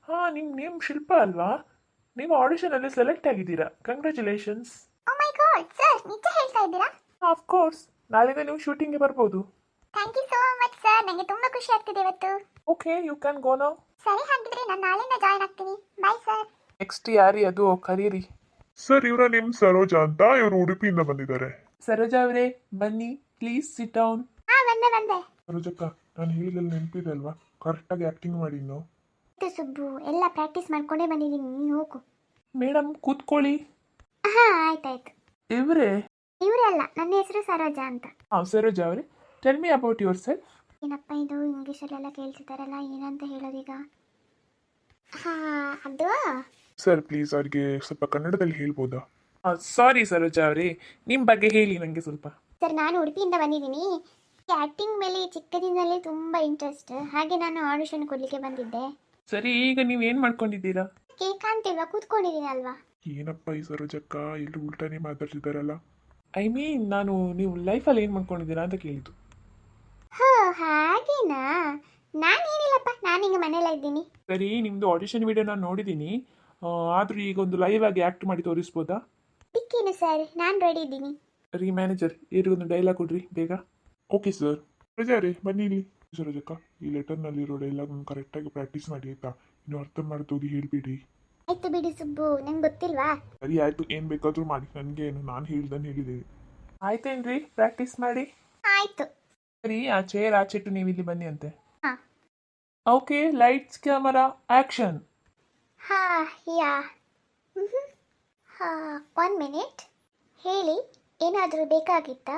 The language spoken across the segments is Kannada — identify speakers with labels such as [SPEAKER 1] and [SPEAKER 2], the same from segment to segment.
[SPEAKER 1] ಹಾಂ, ನಿಮ್ಮ ನೇಮ್ ಶಿಲ್ಪ ಅಲ್ವಾ? ನೀವು ಆಡಿಷನಲ್ಲಿ ಸೆಲೆಕ್ಟ್ ಆಗಿದ್ದೀರಾ. Congratulations.
[SPEAKER 2] Oh my god sir, ನಿಜ ಹೇಳ್ತಾ ಇದ್ದೀರಾ?
[SPEAKER 1] ಆಫ್ ಕೋರ್ಸ್, ನಾಳೆನೇ ನೀವು ಶೂಟಿಂಗ್ಗೆ ಬರ್ಬೋದು.
[SPEAKER 2] Thank you so much sir, ನನಗೆ ತುಂಬಾ ಖುಷಿ ಆಗ್ತಿದೆ ಇವತ್ತು.
[SPEAKER 1] Okay, you can go now.
[SPEAKER 2] ಸರಿ, ಹಾಗಿದ್ರೆ ನಾನು ನಾಳೆಯಿಂದ ಜಾಯ್ನ್ ಆಗ್ತೀನಿ. Bye sir.
[SPEAKER 1] ನೆಕ್ಸ್ಟ್ ಯಾರಿ ಅದು ಕರೀರಿ.
[SPEAKER 3] ಸರ್, ಇವರ ನೇಮ್ ಸರೋಜಾ ಅಂತ. ಇವರು ಉಡುಪಿಯಿಂದ ಬಂದಿದ್ದಾರೆ.
[SPEAKER 1] ಸರೋಜಾ ಅವರೇ, ಬನ್ನಿ ಪ್ಲೀಸ್ ಸಿಟ್ ಡೌನ್.
[SPEAKER 2] ಹಾ, ಬಂದೆ.
[SPEAKER 3] ಸರೋಜಕ್ಕ, ನಾನು ಹೇಳಿದಲ್ಲಿ ನೆನಪಿದೆ ಅಲ್ವಾ? ಕರೆಕ್ಟಾಗಿ ಆ್ಯಕ್ಟಿಂಗ್ ಮಾಡಿ ಇನ್ನು.
[SPEAKER 2] ಇದು ಸುಬ್ಬು, ಎಲ್ಲ ಪ್ರಾಕ್ಟೀಸ್ ಮಾಡ್ಕೊಂಡೇ ಬಂದಿದ್ದೀನಿ, ನೀನು ಹೋಗು.
[SPEAKER 1] ಮೇಡಮ್ ಕೂತ್ಕೊಳ್ಳಿ.
[SPEAKER 2] ಹಾ, ಆಯ್ತಾಯ್ತು.
[SPEAKER 1] ಇವರೇ?
[SPEAKER 2] ಇವರೇ ಅಲ್ಲ, ನನ್ನ ಹೆಸರು ಸರೋಜಾ ಅಂತ.
[SPEAKER 1] ಹಾಂ, ಸರೋಜಾ ಅವರೇ, tell me about yourself.
[SPEAKER 2] ಏನಪ್ಪ ಇದು ಇಂಗ್ಲೀಷಲ್ಲೆಲ್ಲ ಕೇಳ್ತಿದ್ದಾರಲ್ಲ, ಏನಂತ ಹೇಳೋದೀಗ? ಹಾ, ಅದು
[SPEAKER 3] ಸರ್ ಪ್ಲೀಸ್ ಅವ್ರಿಗೆ ಸ್ವಲ್ಪ ಕನ್ನಡದಲ್ಲಿ ಹೇಳ್ಬೋದಾ?
[SPEAKER 1] ಸಾರಿ ಸರೋಜಾ ಅವರೇ, ನಿಮ್ಮ ಬಗ್ಗೆ ಹೇಳಿ ನನಗೆ ಸ್ವಲ್ಪ.
[SPEAKER 2] ಸರ್, ನಾನು ಉಡುಪಿಯಿಂದ ಬಂದಿದ್ದೀನಿ. ಆ್ಯಕ್ಟಿಂಗ್ ಮೇಲೆ ಚಿಕ್ಕದಿಂದಲೇ ತುಂಬ ಇಂಟ್ರೆಸ್ಟ್. ಹಾಗೆ ನಾನು ಆಡಿಷನ್ ಕೊಡಲಿಕ್ಕೆ ಬಂದಿದ್ದೆ.
[SPEAKER 1] ಸರಿ, ಈಗ ನೀವು ಏನು ಮಾಡ್ಕೊಂಡಿದ್ದೀರಾ?
[SPEAKER 2] ಕಾಣ್ತಿಲ್ವಾ, ಕೂತ್ಕೊಂಡಿದ್ದೀನಿ ಅಲ್ವಾ?
[SPEAKER 3] ಏನಪ್ಪ ಈ ಸರೋಜಕ್ಕ ಎಲ್ಲರೂ ಉಲ್ಟಾನೇ ಮಾತಾಡ್ತಿದ್ದಾರಲ್ಲ.
[SPEAKER 1] ಐ ಮೀನ್, ನಾನು ನೀವು ಲೈಫಲ್ಲಿ ಏನು ಮಾಡ್ಕೊಂಡಿದ್ದೀರಾ ಅಂತ ಕೇಳಿದ್ದು.
[SPEAKER 2] ಹೋ, ಹಾಗೇನಾ? ನಾನೇನಿಲ್ಲಪ್ಪ, ನಾನೀಗ ಮನೇಲೇ ಇದ್ದೀನಿ.
[SPEAKER 1] ಸರಿ, ನಿಮ್ಮದು ಆಡಿಷನ್ ವಿಡಿಯೋ ನಾನು ನೋಡಿದ್ದೀನಿ. ಆದರೂ ಈಗ ಒಂದು ಲೈವ್ ಆಗಿ ಆ್ಯಕ್ಟ್ ಮಾಡಿ ತೋರಿಸ್ಬೋದಾ?
[SPEAKER 2] ಟಿಕ್ಕೇನು ಸರ್, ನಾನು ರೆಡಿ ಇದ್ದೀನಿ.
[SPEAKER 1] ರೀ ಮ್ಯಾನೇಜರ್, ಒಂದು ಡೈಲಾಗ್ ಕೊಡ್ರಿ ಬೇಗ.
[SPEAKER 3] Okay sir. ಸರೋಜಾ ರೇ, ಬನ್ನಿ ಇಲ್ಲಿ. ಸರೋಜಕ್ಕ, ಈ ಲೆಟರ್ನಲ್ಲಿರೋ ಡೈಲಾಗ್ ಕರೆಕ್ಟಾಗಿ ಪ್ರಾಕ್ಟೀಸ್ ಮಾಡಿ ಆಯ್ತಾ? ಇನ್ನು ಅರ್ಥ ಮಾಡ್ತೋಗಿ ಹೇಳ್ಬಿಡಿ.
[SPEAKER 2] ಆಯ್ತು ಬಿಡಿ ಸುಬ್ಬು, ನಂಗೆ ಗೊತ್ತಿಲ್ವಾ?
[SPEAKER 3] ಸರಿ ಆಯಿತು, ಏನು ಬೇಕಾದರೂ ಮಾಡಿ, ನನಗೆ ಏನು, ನಾನು ಹೇಳ್ದನ್ನು ಹೇಳಿದ್ದೀನಿ.
[SPEAKER 1] ಆಯ್ತೇನ್ರಿ, ಪ್ರಾಕ್ಟೀಸ್ ಮಾಡಿ.
[SPEAKER 2] ಆಯ್ತು.
[SPEAKER 1] ಸರಿ, ಆ ಚೇರ್ ಆಚೆಟ್ಟು ನೀವು ಇಲ್ಲಿ ಬನ್ನಿ ಅಂತೆ.
[SPEAKER 2] ಹಾಂ.
[SPEAKER 1] Okay, lights camera action.
[SPEAKER 2] ಹಾ, ಯಾ. ಹಾ, 1 ಮಿನಿಟ್. ಹೇಳಿ, ಏನಾದರೂ ಬೇಕಾಗಿತ್ತಾ?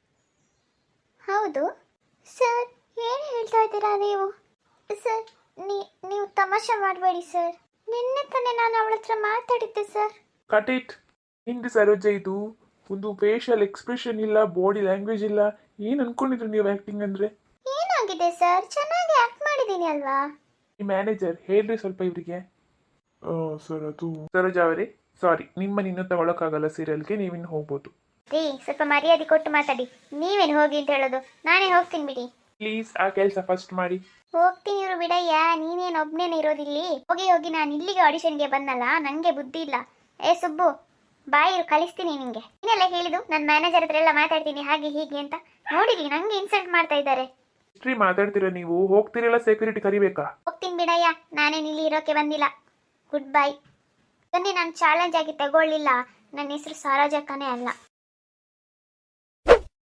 [SPEAKER 2] ಹೌದು ಸರ್, ಏನು ಹೇಳ್ತಾ ಇದ್ದೀರಾ ನೀವು? ಸರ್, ನೀವು ತಮಾಷೆ ಮಾಡಬೇಡಿ ಸರ್. ನಿನ್ನೆ ತಾನೇ ನಾನು ಅವಳ ಹತ್ರ ಮಾತಾಡಿದ್ದೆ ಸರ್.
[SPEAKER 1] Cut it. ಹಿಂದೆ ಸರೋಜಾ, ಇದು ಒಂದು ಫೇಶಿಯಲ್ ಎಕ್ಸ್ಪ್ರೆಷನ್ ಇಲ್ಲ, ಬಾಡಿ ಲ್ಯಾಂಗ್ವೇಜ್ ಇಲ್ಲ. ಏನು ಅನ್ಕೊಂಡಿದ್ರು ನೀವು ಆ್ಯಕ್ಟಿಂಗ್ ಅಂದರೆ?
[SPEAKER 2] ಏನಾಗಿದೆ ಸರ್, ಚೆನ್ನಾಗಿ ಆ್ಯಕ್ಟ್ ಮಾಡಿದ್ದೀನಿ ಅಲ್ವಾ?
[SPEAKER 1] ಈ ಮ್ಯಾನೇಜರ್ ಹೇಳ್ರಿ ಸ್ವಲ್ಪ ಇವರಿಗೆ.
[SPEAKER 3] ಸರ್ ಅದು
[SPEAKER 1] ಸರೋಜಾ ಅವರೇ, ಸಾರಿ, ನಿಮ್ಮನ್ನು ಇನ್ನೂ ತಗೊಳಕ್ಕಾಗಲ್ಲ ಸೀರಿಯಲ್ಗೆ, ನೀವಿನ್ನು ಹೋಗ್ಬೋದು.
[SPEAKER 2] ರೀ, ಸ್ವಲ್ಪ ಮರ್ಯಾದೆ ಕೊಟ್ಟು ಮಾತಾಡಿ. ನೀವೇನು ಹೋಗಿ ಅಂತ ಹೇಳೋದು? ನಾನೇ ಹೋಗ್ತೀನಿ ಬಿಡಿ.
[SPEAKER 1] ಪ್ಲೀಸ್, ಆ ಕೆಲಸ ಫಸ್ಟ್ ಮಾಡಿ.
[SPEAKER 2] ಹೋಗ್ತೀನಿ ಇವರು ಬಿಡಯ್ಯ, ನೀನೇನು ಒಬ್ಬನೇನೆ ಇರೋದಿಲ್ಲಿ. ಹೋಗಿ ಹೋಗಿ, ನಾನು ಇಲ್ಲಿಗೆ ಆಡಿಷನ್ಗೆ ಬಂದಲ್ಲ, ನನಗೆ ಬುದ್ಧಿ ಇಲ್ಲ. ಏ ಸುಬ್ಬು, ಬಾಯಿ ಕಳಿಸ್ತೀನಿ ನಿಂಗೆ. ಏನೆಲ್ಲ ಹೇಳಿದು, ನನ್ನ ಮ್ಯಾನೇಜರ್ ಹತ್ರ ಎಲ್ಲ ಮಾತಾಡ್ತೀನಿ ಹಾಗೆ ಹೀಗೆ ಅಂತ. ನೋಡಿಲಿ, ನಂಗೆ ಇನ್ಸಲ್ಟ್ ಮಾಡ್ತಾ ಇದ್ದಾರೆ.
[SPEAKER 1] ಹಿಸ್ಟ್ರಿ ಮಾತಾಡ್ತೀರಾ ನೀವು? ಹೋಗ್ತಿರಲ್ಲ, ಸೆಕ್ಯೂರಿಟಿ ಕರಿಬೇಕಾ?
[SPEAKER 2] ಹೋಗ್ತೀನಿ ಬಿಡಯ್ಯ, ನಾನೇನು ಇಲ್ಲಿ ಇರೋಕ್ಕೆ ಬಂದಿಲ್ಲ. Goodbye. ಬನ್ನಿ, ನಾನು ಚಾಲೆಂಜ್ ಆಗಿ ತಗೊಳ್ಳಿಲ್ಲ. ನನ್ನ ಹೆಸರು ಸರೋಜಕ್ಕನೇ ಅಲ್ಲ.